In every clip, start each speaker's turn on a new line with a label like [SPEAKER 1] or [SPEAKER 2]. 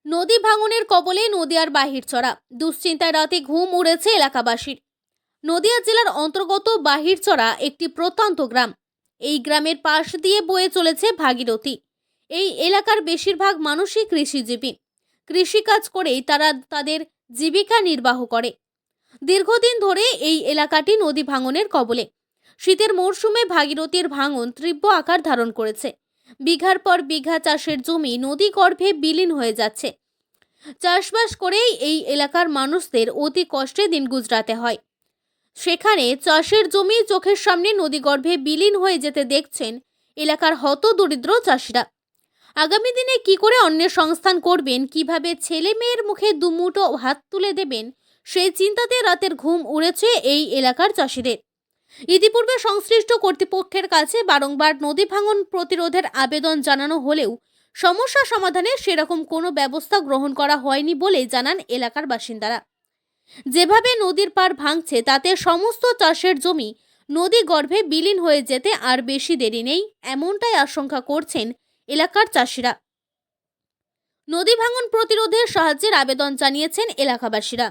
[SPEAKER 1] নদী ভাঙনের কবলে নদিয়ার বাহিরচড়া। দুশ্চিন্তায় রাতে ঘুম উড়েছে এলাকাবাসীর। নদিয়া জেলার অন্তর্গত বাহিরচড়া একটি প্রত্যন্ত গ্রাম। এই গ্রামের পাশ দিয়ে বয়ে চলেছে ভাগীরথী। এই এলাকার বেশিরভাগ মানুষই কৃষিজীবী। কৃষিকাজ করেই তারা তাদের জীবিকা নির্বাহ করে। দীর্ঘদিন ধরে এই এলাকাটি নদী ভাঙনের কবলে। শীতের মরশুমে ভাগীরথীর ভাঙন তীব্র আকার ধারণ করেছে। বিঘার পর বিঘা চাষের জমি নদী গর্ভে বিলীন হয়ে যাচ্ছে। চাষবাস করেই এই এলাকার মানুষদের অতি কষ্টে দিন গুজরাতে হয়। সেখানে চাষের জমি চোখের সামনে নদীগর্ভে বিলীন হয়ে যেতে দেখছেন এলাকার হতদরিদ্র চাষিরা। আগামী দিনে কি করে অন্যের সংস্থান করবেন, কিভাবে ছেলে মেয়ের মুখে দুমুঠো ভাত তুলে দেবেন, সেই চিন্তাতে রাতের ঘুম উড়েছে এই এলাকার চাষিদের। ইতিপূর্বে সংশ্লিষ্ট কর্তৃপক্ষের কাছে বারংবার নদী ভাঙন প্রতিরোধের আবেদন জানানো হলেও সমস্যা সমাধানে সেরকম কোনো ব্যবস্থা গ্রহণ করা হয়নি বলে জানান এলাকার বাসিন্দারা। যেভাবে নদীর পাড় ভাঙছে তাতে সমস্ত চাষের জমি নদী গর্ভে বিলীন হয়ে যেতে আর বেশি দেরি নেই, এমনটাই আশঙ্কা করছেন এলাকার চাষিরা। নদী ভাঙন প্রতিরোধে সাহায্যের আবেদন জানিয়েছেন এলাকাবাসীরা।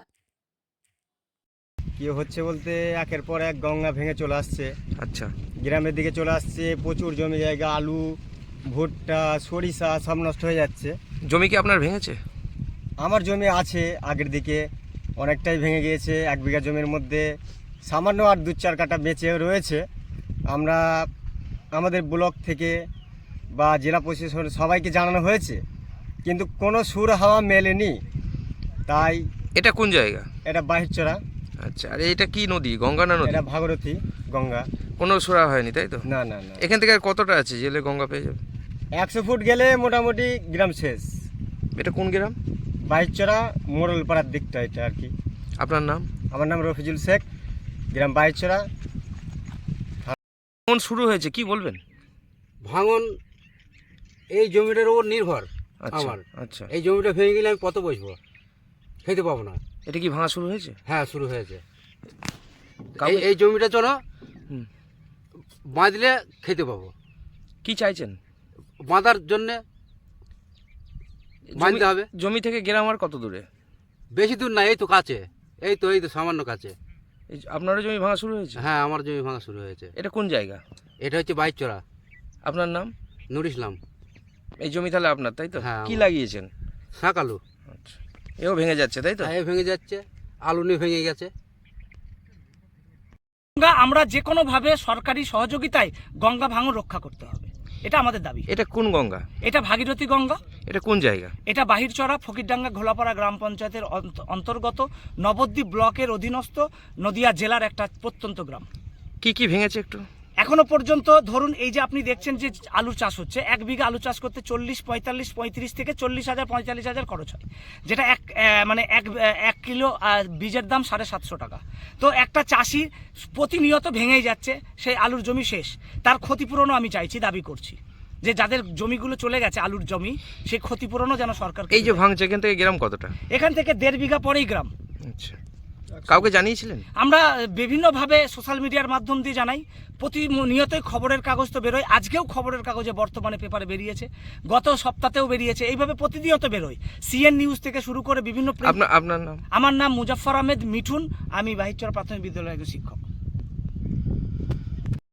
[SPEAKER 2] কি হচ্ছে বলতে একের পর এক গঙ্গা ভেঙে চলে আসছে।
[SPEAKER 3] আচ্ছা,
[SPEAKER 2] গ্রামের দিকে চলে আসছে, প্রচুর জমি জায়গা, আলু, ভুট্টা, সরিষা সব নষ্ট হয়ে যাচ্ছে।
[SPEAKER 3] জমি কি আপনার ভেঙেছে?
[SPEAKER 2] আমার জমি আছে, আগের দিকে অনেকটাই ভেঙে গিয়েছে। 1 বিঘা জমির মধ্যে সামান্য আর 2-4 কাঠা বেঁচে রয়েছে। আমরা আমাদের ব্লক থেকে বা জেলা প্রশাসন সবাইকে জানানো হয়েছে, কিন্তু কোনো সুর হাওয়া মেলেনি। তাই
[SPEAKER 3] এটা কোন জায়গা?
[SPEAKER 2] এটা বাহিরচড়া।
[SPEAKER 3] আচ্ছা, আর এটা কি নদী? গঙ্গা না নদী?
[SPEAKER 2] এটা ভাগীরথী গঙ্গা।
[SPEAKER 3] কোনো সুরা হয়নি তাই তো?
[SPEAKER 2] না না না,
[SPEAKER 3] এখান থেকে আর কতটা আছে জেলে গঙ্গা পেয়ে যাবে?
[SPEAKER 2] 100 ফুট গেলে মোটামুটি গ্রাম শেষ।
[SPEAKER 3] এটা কোন গ্রাম?
[SPEAKER 2] বাহিরচড়া মোড়লপাড়ার দিকটা এটা আর কি।
[SPEAKER 3] আপনার নাম?
[SPEAKER 2] আমার নাম রফিজুল শেখ, গ্রাম বাহিরচড়া।
[SPEAKER 3] কোন শুরু হয়েছে কি বলবেন?
[SPEAKER 4] ভাঙন এই জমিটার উপর নির্ভর
[SPEAKER 3] আচ্ছা,
[SPEAKER 4] আমার।
[SPEAKER 3] আচ্ছা,
[SPEAKER 4] এই জমিটা ভেঙে গেলে আমি কত বসবো, খেতে পাবো না।
[SPEAKER 3] এটা কি ভাঙা শুরু হয়েছে?
[SPEAKER 4] হ্যাঁ, শুরু হয়েছে।
[SPEAKER 3] কাউকে-
[SPEAKER 4] এই জমিটা চলো
[SPEAKER 3] হুম।
[SPEAKER 4] বাঁধলে খেতে পাবো।
[SPEAKER 3] কি চাইছেন?
[SPEAKER 4] বাঁধার জন্যে বাঁধতে হবে।
[SPEAKER 3] জমি থেকে গ্রাম আর কত দূরে?
[SPEAKER 4] বেশি দূর না, এই তো কাছে, এই তো সামান্য কাছে।
[SPEAKER 3] আপনারও জমি ভাঙা শুরু হয়েছে?
[SPEAKER 4] হ্যাঁ, আমার জমি ভাঙা শুরু হয়েছে।
[SPEAKER 3] এটা কোন জায়গা?
[SPEAKER 4] এটা হচ্ছে বাইচড়া।
[SPEAKER 3] আপনার নাম?
[SPEAKER 4] নুর ইসলাম।
[SPEAKER 3] এই জমি তাহলে আপনার তাই তো?
[SPEAKER 4] হ্যাঁ,
[SPEAKER 3] কি
[SPEAKER 4] আমার।
[SPEAKER 3] লাগিয়েছেন?
[SPEAKER 4] শাক আলু।
[SPEAKER 3] আচ্ছা, এও ভেঙে যাচ্ছে তাই তো?
[SPEAKER 4] হ্যাঁ, ভেঙে যাচ্ছে, আলু নিয়ে ভেঙে গেছে।
[SPEAKER 5] গঙ্গা আমরা যে কোনোভাবে সরকারি সহযোগিতায় গঙ্গা ভাঙন রক্ষা করতে হবে, এটা আমাদের দাবি।
[SPEAKER 3] এটা কোন গঙ্গা?
[SPEAKER 5] এটা ভাগীরথী গঙ্গা।
[SPEAKER 3] এটা কোন জায়গা?
[SPEAKER 5] এটা বাহিরচড়া ফকিরডাঙ্গা ঘোলাপাড়া গ্রাম পঞ্চায়েতের অন্তর্গত নবদ্বীপ ব্লকের অধীনস্থ নদিয়া জেলার একটা প্রত্যন্ত গ্রাম।
[SPEAKER 3] কি কি ভেঙেছে একটু?
[SPEAKER 5] এখনো পর্যন্ত ধরুন এই যে আপনি দেখছেন যে আলু চাষ হচ্ছে, 1 বিঘা আলু চাষ করতে 35 থেকে 40,000-45,000 খরচ হয়, যেটা এক কিলো বীজের দাম 750 টাকা। তো একটা চাষি প্রতিনিয়ত ভেঙেই যাচ্ছে, সেই আলুর জমি শেষ। তার ক্ষতিপূরণও আমি চাইছি, দাবি করছি যে যাদের জমিগুলো চলে গেছে আলুর জমি, সেই ক্ষতিপূরণও যেন সরকার।
[SPEAKER 3] এই যে ভাঙছে এখান থেকে গ্রাম কতটা?
[SPEAKER 5] এখান থেকে 1.5 বিঘা পরেই গ্রাম।
[SPEAKER 3] আচ্ছা, কাউকে জানিয়েছিলেন?
[SPEAKER 5] আমরা বিভিন্নভাবে সোশ্যাল মিডিয়ার মাধ্যম দিয়ে জানাই, প্রতিনিয়তই খবরের কাগজ তো বেরোয়। আজকেও খবরের কাগজে বর্তমানে পেপারে বেরিয়েছে, গত সপ্তাহেও বেরিয়েছে, এইভাবে প্রতিনিয়ত বেরোয়। সিএন নিউজ থেকে শুরু করে বিভিন্ন।
[SPEAKER 3] আপনার নাম?
[SPEAKER 5] আমার নাম মুজাফফর আহমেদ মিঠুন, আমি বাহিরচর প্রাথমিক বিদ্যালয়ের একজন শিক্ষক।